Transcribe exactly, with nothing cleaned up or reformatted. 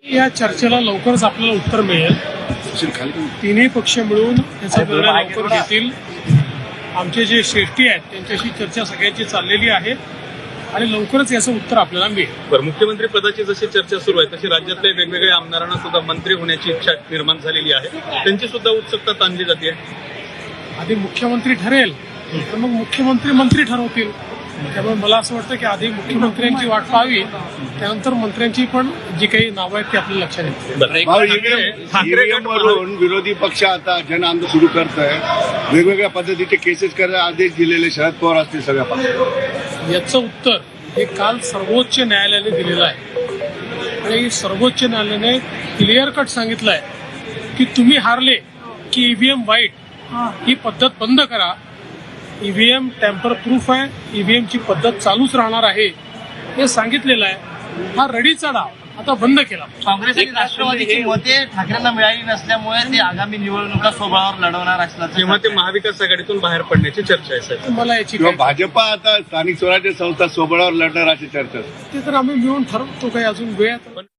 या चर्चेला लवकरच आपल्याला उत्तर मिळेल. तिन्ही पक्ष मिळून याचा निर्णय लवकर घेतील. आमचे जे श्रेष्ठी आहेत त्यांच्याशी चर्चा सगळ्यांची चाललेली आहे आणि लवकरच याचं उत्तर आपल्याला मिळेल. बरं, मुख्यमंत्री पदाची जशी चर्चा सुरू आहे तशी राज्यातल्या वेगवेगळ्या आमदारांना सुद्धा मंत्री होण्याची इच्छा निर्माण झालेली आहे. त्यांची सुद्धा उत्सुकता ताणली जाते. आधी मुख्यमंत्री ठरेल तर मग मुख्यमंत्री मंत्री ठरवतील. त्यामुळे मला असं वाटतं की आधी मुख्यमंत्र्यांची वाट पाहावी, त्यानंतर मंत्र्यांची पण जी काही नावं आहेत ती आपल्या लक्षात येतील. वरून विरोधी पक्ष आता जन आंदोलन सुरू करत आहे. वेगवेगळ्या पद्धतीचे केसेस करायला आदेश दिलेले शरद पवार असतील सगळ्या पक्षाला. याचं उत्तर हे काल सर्वोच्च न्यायालयाने दिलेलं आहे आणि सर्वोच्च न्यायालयाने क्लिअर कट सांगितलं आहे की तुम्ही हारले की ईव्हीएम वाईट ही पद्धत बंद करा. ईव्हीएम टॅम्पर प्रूफ आहे, ईव्हीएमची पद्धत चालूच राहणार आहे हे सांगितलेलं आहे. हा रडीचा डाव आता बंद केला. काँग्रेस आणि राष्ट्रवादीची मते ठाकरेंना मिळाली नसल्यामुळे ते आगामी निवडणुका स्वबळावर लढवणार असल्याचं तेव्हा ते महाविकास आघाडीतून बाहेर पडण्याची चर्चा आहे साहेब. मला याची किंवा काही- भाजपा आता स्थानिक स्वराज्य संस्था स्वबळावर लढणार अशी चर्चा. ते तर आम्ही मिळून ठरवतो. काही अजून वेळ आहे.